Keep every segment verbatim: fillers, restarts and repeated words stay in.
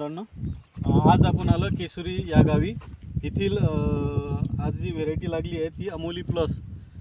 बांधवांनो, आज आपण आलो केशरी या गावी. येथील आज जी व्हेरायटी लागली आहे ती अमोली प्लस.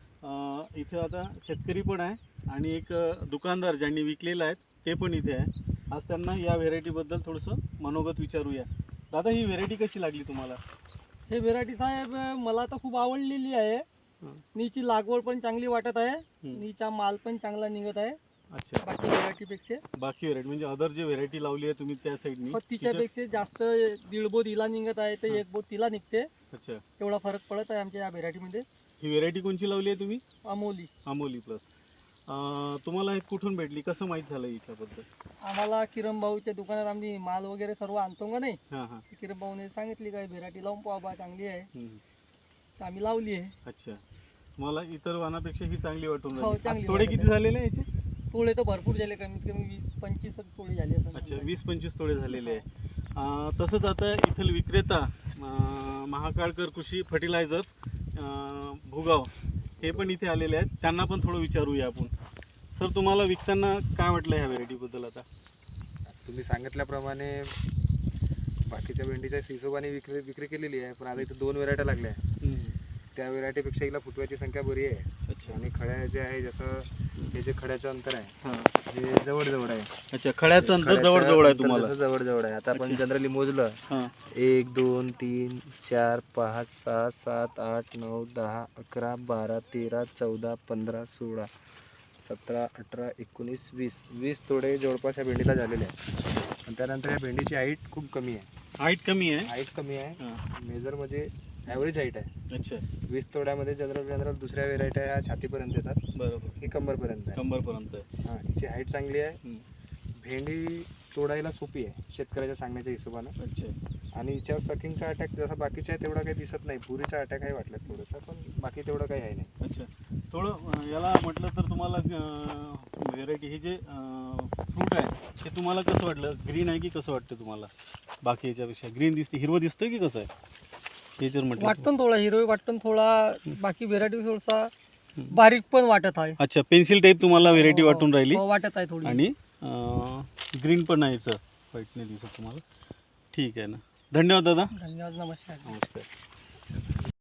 इथे आता शेतकरी पण आहे आणि एक दुकानदार ज्यांनी विकलेला आहे ते पण इथे आहे. आज त्यांना या व्हेरायटीबद्दल थोडंसं मनोगत विचारूया. दादा, ही व्हेरायटी कशी लागली तुम्हाला? हे व्हेरायटी साहेब मला तर खूप आवडलेली आहे. नीची लागवड पण चांगली वाटत आहे, नीचा माल पण चांगला निघत आहे. अच्छा, बाकी व्हेरायटीपेक्षा बाकी व्हेरायटी म्हणजे अदर जे व्हेरायटी लावली आहे तुम्ही त्या साईडनी, तिच्यापेक्षा जास्त दीड बोट हिला निघत आहे तर एक बोट तिला निघते. अच्छा, तेवढा फरक पडत आहे आमच्या या व्हेरायटीमध्ये. ही व्हेरायटी कोणची लावली आहे तुम्ही? अमोली. अमोली प्लस. तुम्हाला हे कुठून भेटली, कसं माहीत झालं याच्याबद्दल? आम्हाला किरण भाऊच्या दुकानात आम्ही माल वगैरे सर्व आणतो का नाही, हां हां, किरण भाऊने सांगितली काय व्हेरायटी लावून पाहा बा, चांगली आहे. तर आम्ही लावली आहे. अच्छा, मला इतर वाहनापेक्षा ही चांगली वाटून हो, राहिली. चांगली आज तोडे वाटत किती आहे. झालेले आहे याचे? तोडे तर भरपूर झाले, कमीत कमी वीस पंचवीस तोडे झाले असं. अच्छा, वीस पंचवीस तोडे झालेले आहे. अं, तसंच आता इथल विक्रेता अं, महाकाळकर कृषी फर्टिलायझर्स अं, भुगाव हे पण इथे आलेले आहेत. त्यांना पण थोडं विचारूया आपण. सर, तुम्हाला विकताना काय वाटलं ह्या व्हेरायटीबद्दल? आता तुम्ही सांगितल्याप्रमाणे बाकीच्या भेंडीच्या हिशोबाने विक्री विक्री केलेली आहे, पण आता इथे दोन व्हेरायट्या लागल्या आहे. त्या व्हेरायटीपेक्षा हिला फुटव्याची संख्या बरी आहे. अच्छा, आणि खड्या जे आहे, जसं हे जे खड्याचं अंतर आहे हां, हे जवळजवळ आहे. अच्छा, खड्याचं अंतर खड्याचं जवळ जवळ आहे अंतर तुम्हाला? जसं जवळजवळ आहे. आता आपण अच्छा. जनरली मोजलं, हां, एक दोन तीन चार पाच सहा सात आठ नऊ दहा अकरा बारा तेरा चौदा पंधरा सोळा सतरा अठरा एकोणीस वीस वीस तोडे जवळपास या भेंडीला झालेले आहे. आणि त्यानंतर या भेंडीची हाईट खूप कमी आहे. हाईट कमी आहे. हाईट कमी आहे. हां, मेजरमध्ये ॲव्हरेज हाईट आहे. अच्छा, वीस तोड्यामध्ये जनरल जनरल दुसऱ्या व्हेरायट्या ह्या छातीपर्यंत येतात, बरोबर, ही कंबरपर्यंत आहे. कंबरपर्यंत आहे. हां, हिची हाईट चांगली आहे. हं. भेंडी तोडायला सोपी आहे शेतकऱ्याच्या सांगण्याच्या हिशोबानं. अच्छा, आणि हिच्यावर सकिंगचा अटॅक जसा बाकीच्या आहे तेवढा काही दिसत नाही. पुरीचा अटॅक आहे वाटलं थोडंसं, पण बाकी तेवढं काही आहे नाही. अच्छा. थोडं अं, याला म्हटलं तर तुम्हाला व्हेरायटी हे जे फ्रूट आहे ते तुम्हाला कसं वाटलं? ग्रीन आहे की कसं वाटतं तुम्हाला? बाकी याच्यापेक्षा ग्रीन दिसते, हिरवं दिसतं की कसं आहे हे जर म्हटलं? वाटतं थोडा हिरवी, वाटतं थोडा. बाकी व्हेरायटी थोडासा बारीक पण वाटत आहे. अच्छा, पेन्सिल टाईप तुम्हाला व्हेरायटी हो, वाटून राहिली. हो, वाटत आहे थोडी. आणि ग्रीन पण आहे, याचं व्हाईट नाही दिसत तुम्हाला. ठीक आहे ना, धन्यवाद दादा. धन्यवाद, नमस्कार. नमस्कार.